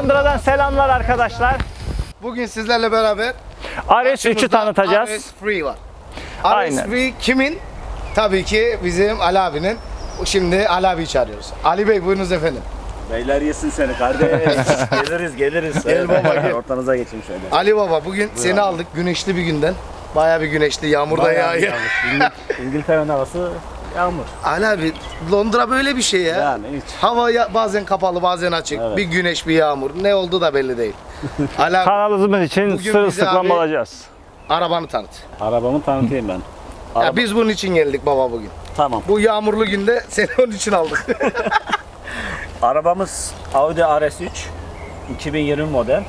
Londra'dan selamlar arkadaşlar. Bugün sizlerle beraber RS3'ü tanıtacağız. RS3 var. Aynen. RS3 kimin? Tabii ki bizim Ali abinin. Şimdi Ali abiyi çağırıyoruz. Ali Bey buyurunuz efendim. Beyler yesin seni kardeş. geliriz. Gel baba, gel. Ortanıza geçeyim şöyle. Ali baba bugün seni aldık güneşli bir günden. Bayağı bir güneşli, yağmurda yağıyor. İngiltere'nin havası yağmur. Ali abi Londra böyle bir şey ya. Yani hiç. Hava bazen kapalı bazen açık. Evet. Bir güneş bir yağmur. Ne oldu da belli değil. Ali abi Kanalımız için Bugün bize sırılsıklam abi- olacağız. arabanı tanıt. Arabamı tanıtayım ben. Ya biz bunun için geldik baba bugün. Tamam. Bu yağmurlu günde seni onun için aldık. Arabamız Audi RS3 2020 model.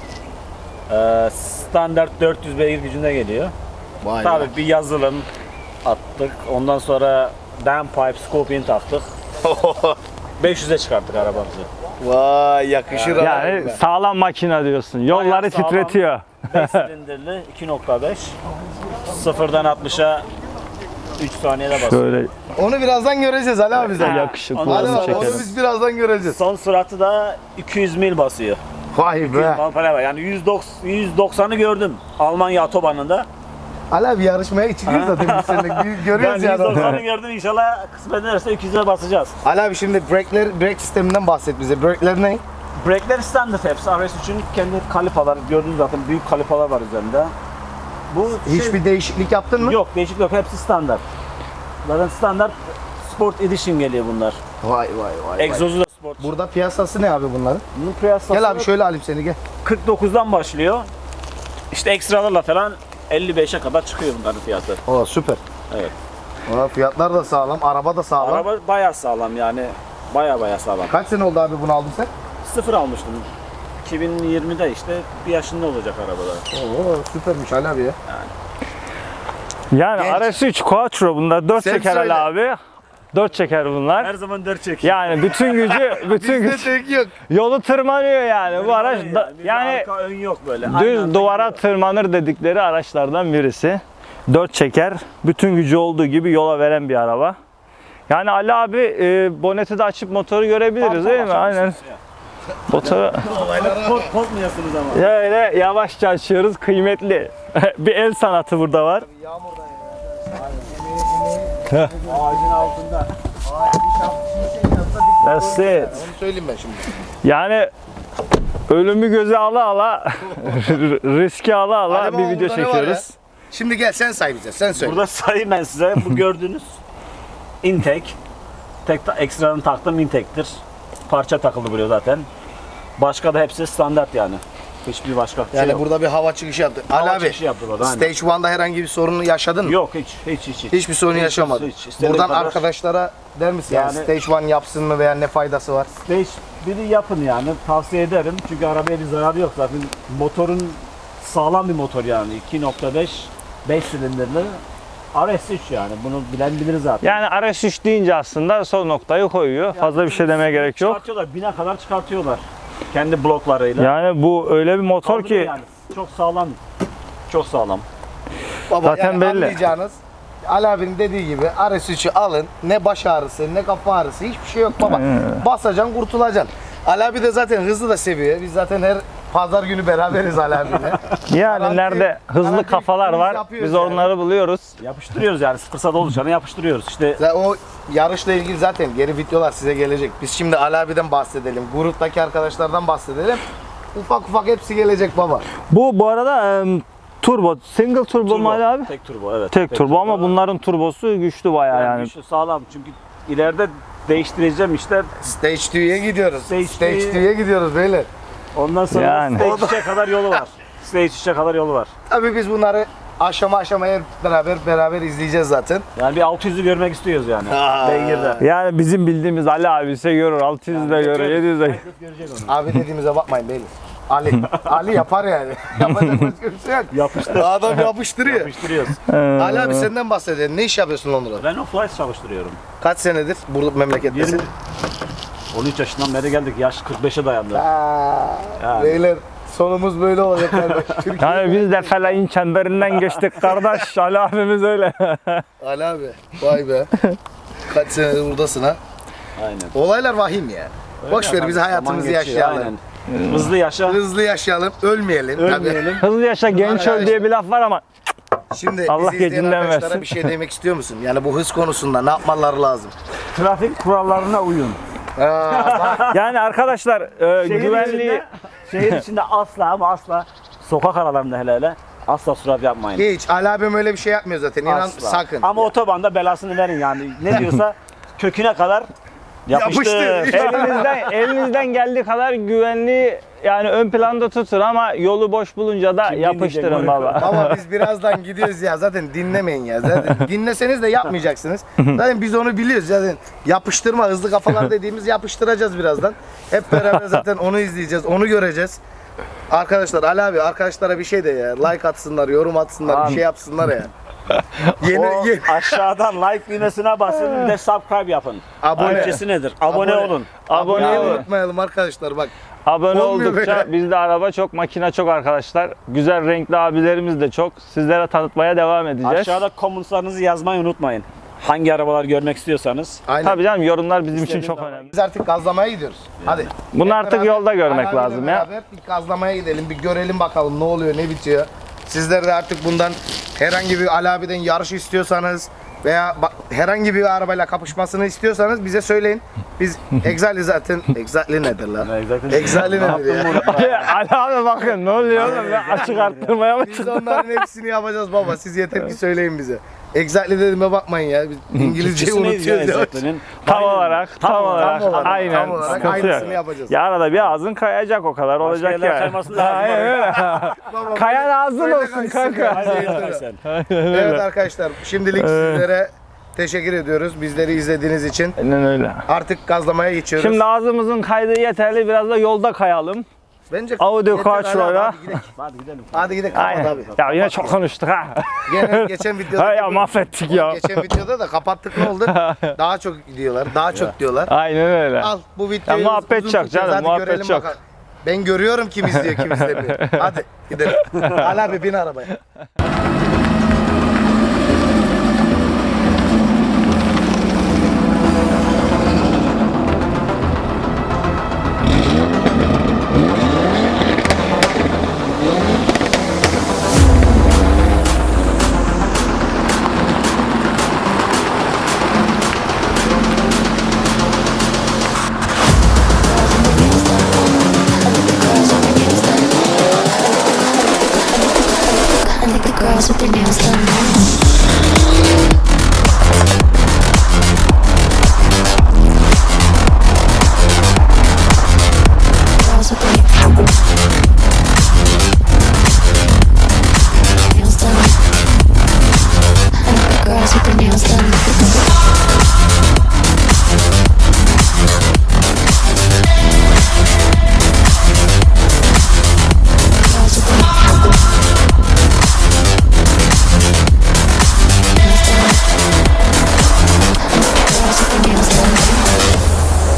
Standart 400 beygir gücünde geliyor. Vay Tabii bir yazılım attık. Ondan sonra downpipe, scorpion taktık. 500'e çıkarttık arabamızı. Vay yakışır Yani abi. sağlam makine diyorsun. Yolları Bayağı sağlam. titretiyor. 5 silindirli 2.5. Sıfırdan 60'a 3 saniyede basıyor. Şöyle Onu birazdan göreceğiz Ali abi sen. yakışıklı Ondan Ali olsun sonra abi onu çekelim. biz birazdan göreceğiz. Son süratı da 200 mil basıyor. Vay 200 be. mil para var. Yani 190'ı gördüm Almanya otobanında. Ali abi yarışmaya çıkıyoruz zaten biz seninle. Ben Görüyoruz yani. 190'ı gördüm, inşallah kısmet ederse 200'e basacağız. Ali abi şimdi brake sisteminden bahset bize. Brake'ler ne? Brake'ler standart hepsi. RS3'ün kendi kalipaları gördüğünüz zaten büyük kalipalar var üzerinde. Bu Hiçbir değişiklik yaptın mı? yok, değişik yok, hepsi standart. Zaten standart Sport Edition geliyor bunlar. Vay. Egzozu da sport. Burada piyasası ne abi bunların? Bunun piyasası Gel abi şöyle alayım seni gel. 49'dan başlıyor. İşte ekstralarla falan 55'e kadar çıkıyor bunların fiyatı. Oo süper. Evet. Aa, fiyatlar da sağlam, araba da sağlam. Araba bayağı sağlam yani. Bayağı sağlam. Kaç sene oldu abi bunu aldın sen? Sıfır almıştım. 2020'de işte bir yaşında olacak arabada. Oo süpermiş Ali abi ya. Yani Genç. RS3 Quattro bunlar 4 Sen çeker söyle. Ali abi. 4 çeker bunlar. Her zaman 4 çekiyor. Yani bütün gücü Bizde tek yok. yolu tırmanıyor yani. Bu araç yani arka ön yok böyle. düz duvara tırmanır dedikleri araçlardan birisi. 4 çeker. Bütün gücü olduğu gibi yola veren bir araba. Yani Ali abi boneti de açıp motoru görebiliriz değil mi? Aynen. Motoru Korkmuyorsunuz ama. öyle yavaşça açıyoruz. Kıymetli. Bir el sanatı burada var. Ağacın altında. That's it. Onu söyleyeyim ben şimdi. Yani ölümü göze ala ala riski ala ala Ali bir baba, video burada ne var çekiyoruz. Şimdi gel sen say bize, sen söyle. Burada sayayım ben size. Bu gördüğünüz intake. Ekstranın taktığım intake'tir. Parça takıldı buraya zaten. Başka da hepsi standart yani. Hiçbir başka şey Yani yok. burada bir hava çıkışı yaptı. Hava Ali abi, çıkışı yaptı burada, aynen. Stage 1'da herhangi bir sorunu yaşadın mı? Yok hiç. Hiçbir sorun yaşamadın. hiç. İstediğin Buradan kadar- arkadaşlara der misin yani Yani- Stage 1 yapsın mı veya ne faydası var? Stage 1'i yapın yani. Tavsiye ederim. Çünkü arabaya bir zararı yok zaten. Motorun sağlam bir motor yani. 2.5 5 silindirli RS3 yani. Bunu bilen bilir zaten. Yani RS3 deyince aslında son noktayı koyuyor. Fazla bir şey demeye gerek yok. Çıkartıyorlar. 1000'e kadar çıkartıyorlar. Kendi bloklarıyla. Yani bu öyle bir motor Kaldırıyor ki yani. Çok sağlam. Çok sağlam. Baba Zaten yani belli. anlayacağınız Ali abinin dediği gibi RS3'ü alın. Ne baş ağrısı ne kafa ağrısı hiçbir şey yok baba. Basacaksın kurtulacaksın. Ali abi de zaten hızlı da seviyor. Biz zaten her pazar günü beraberiz Ali abiyle. yani Garanti- nerede hızlı garanti kafalar biz var yapıyoruz biz yani. onları buluyoruz. Yapıştırıyoruz yani. Fırsat oluşanı yapıştırıyoruz. İşte O yarışla ilgili zaten geri videolar size gelecek. Biz şimdi Ali abiden bahsedelim. Gruptaki arkadaşlardan bahsedelim. Ufak ufak hepsi gelecek baba. Bu arada turbo, single turbo mu Ali abi? Tek turbo evet. Tek turbo ama bunların turbosu güçlü bayağı yani. Güçlü, sağlam. Çünkü ileride değiştireceğim işte. Stage 2'ye gidiyoruz. Stage Stage 2'ye 2'ye gidiyoruz beyler. Ondan sonra Yani. Stage 3'e kadar yolu var. Stage 3'e kadar yolu var. Tabii biz bunları aşama aşamaya hep beraber izleyeceğiz zaten. Yani bir 600'ü görmek istiyoruz yani. Beygir'de. Yani bizim bildiğimiz Ali abi ise görür, 600 de görür, 700 de görür. Herkes görecek onu. Abi dediğimize bakmayın beyler. Ali yapar yani. Yapacak başka bir şey yok. Yapıştır. Adam yapıştırıyor. Yapıştırıyoruz. Ali abi senden bahsedelim. Ne iş yapıyorsun Londra'da? Renault Flight çalıştırıyorum. Kaç senedir burada memlekettesin? 20 13 yaşından beri geldik. Yaş 45'e dayandı. Yani. Beyler sonumuz böyle olacak kardeş. Türkiye. Yani biz de felayın çemberinden geçtik kardeş. Ali abimiz öyle. Ali abi vay be. Kaç senedir buradasın ha? Aynen. Olaylar vahim ya. Boş ver biz hayatımızı Zaman geçiyor, yaşayalım. aynen. Hızlı yaşa. Hızlı yaşayalım, ölmeyelim. Ölmeyelim. Hızlı yaşa genç öl diye bir laf var ama Şimdi Allah bizi izleyen gecinden arkadaşlara versin. bir şey demek istiyor musun? Yani bu hız konusunda ne yapmaları lazım? Trafik kurallarına uyun. yani arkadaşlar güvenliği Şehir içinde asla ama asla sokak aralarında hele asla sürat yapmayın. Hiç. Ali abim öyle bir şey yapmıyor zaten. İnan Asla. sakın. Ama otobanda belasını verin yani. Ne diyorsa köküne kadar yapıştır. Yapıştır. elinizden geldiği kadar güvenliği yani ön planda tutun ama yolu boş bulunca da Kim yapıştırın dinleyecek baba. Ama biz birazdan gidiyoruz ya, zaten dinlemeyin ya. Zaten dinleseniz de yapmayacaksınız. Zaten biz onu biliyoruz zaten. Yapıştırma, hızlı kafalar dediğimiz yapıştıracağız birazdan. Hep beraber zaten onu izleyeceğiz, onu göreceğiz. Arkadaşlar, Ali abi arkadaşlara bir şey de ya. Like atsınlar, yorum atsınlar, bir şey yapsınlar ya. O aşağıdan like düğmesine basın, bir de subscribe yapın. Abone. Türkçesi nedir? Abone olun. Abone Aboneyi olun. unutmayalım arkadaşlar bak. Abone Olmuyor oldukça böyle. bizde araba çok, makine çok arkadaşlar. Güzel renkli abilerimiz de çok. Sizlere tanıtmaya devam edeceğiz. Aşağıda komentlarınızı yazmayı unutmayın. Hangi arabalar görmek istiyorsanız. Aynen. Tabii canım, yorumlar bizim için İstediğiniz çok zaman. önemli. Biz artık gazlamaya gidiyoruz. Hadi. Bunu Hep artık beraber, yolda görmek Ali abiyle lazım ya. beraber bir gazlamaya gidelim, bir görelim bakalım ne oluyor, ne bitiyor. Sizler de artık bundan herhangi bir Ali abiden yarış istiyorsanız veya herhangi bir arabayla kapışmasını istiyorsanız bize söyleyin. Biz Exali zaten, Exali nedir lan? Exali nedir ya? Ali abi bakın ne oluyor oğlum, ben açık arttırmaya mı Biz çıktım? onların hepsini yapacağız baba. Siz yeter ki söyleyin bize. Exali dediğime bakmayın ya. Biz İngilizceyi Türkçesi neydi ya unutuyoruz ya. Exact'lerin? Tam olarak, tam olarak, olarak, aynen. tam olarak Sıkıntı aynısını yok. yapacağız. Ya arada bir ağzın kayacak, o kadar olacak yerler ya. kaymasın lazım. Aynen öyle. Baba, Kayan ağzın böyle olsun kaysın kanka. ya. Hadi yeter sen. Evet arkadaşlar, şimdilik sizlere teşekkür ediyoruz bizleri izlediğiniz için. Aynen öyle. Artık gazlamaya geçiyoruz. Şimdi ağzımızın kaydığı yeterli, biraz da yolda kayalım. Bence Audi yeter Quattro'yla. Ali abi, hadi gidelim. Hadi gidelim. Hadi gidelim. Kapat Aynen. abi. Ya yine çok konuştuk ha. Gene geçen videoda Ha ya, mahvettik ya. Geçen videoda da kapattık, ne oldu? Daha çok diyorlar. Daha çok diyorlar. Aynen öyle. Al bu videoyu. Ya muhabbet uzun çok tutacağız. canım, Hadi muhabbet görelim çok. bakalım. Ben görüyorum kim izliyor, kim izlemiyor. Hadi gidelim. Ali abi bin arabaya. I like the girls with their nails done. Girls with their nails done. I like the girls with their nails done. Girls with their nails done. Girls with their nails done.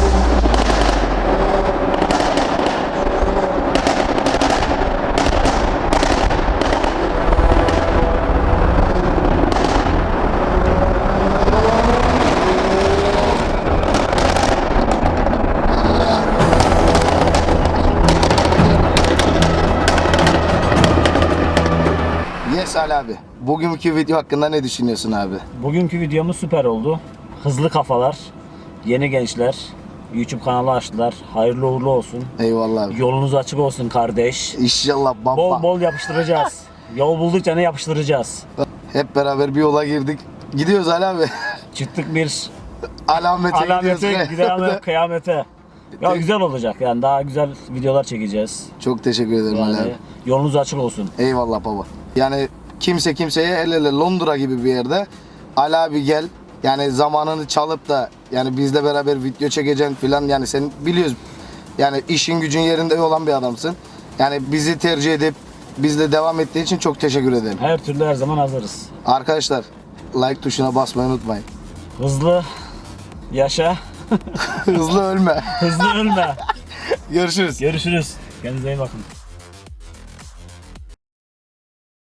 Yes Ali abi. Bugünkü video hakkında ne düşünüyorsun abi? Bugünkü videomuz süper oldu. Hızlı kafalar, yeni gençler, YouTube kanalı açtılar. Hayırlı uğurlu olsun. Eyvallah abi. Yolunuz açık olsun kardeş. İnşallah bamba. Bol bol yapıştıracağız. Yol buldukça ne yapıştıracağız. Hep beraber bir yola girdik. Gidiyoruz Ali abi. Çıktık bir Alamete alamete, gidiyoruz. gidelim kıyamete. Ya güzel olacak yani, daha güzel videolar çekeceğiz. Çok teşekkür ederim Ali Yani abi. yolunuz açık olsun. Eyvallah baba. Yani kimse kimseye el ele Londra gibi bir yerde Ali abi gel. Yani zamanını çalıp da yani bizle beraber video çekeceksin filan, yani sen biliyoruz. Yani işin gücün yerinde olan bir adamsın. Yani bizi tercih edip bizle devam ettiği için çok teşekkür ederim. Her türlü her zaman hazırız. Arkadaşlar like tuşuna basmayı unutmayın. Hızlı yaşa, Hızlı ölme. hızlı ölme. Görüşürüz. Görüşürüz. Kendinize iyi bakın.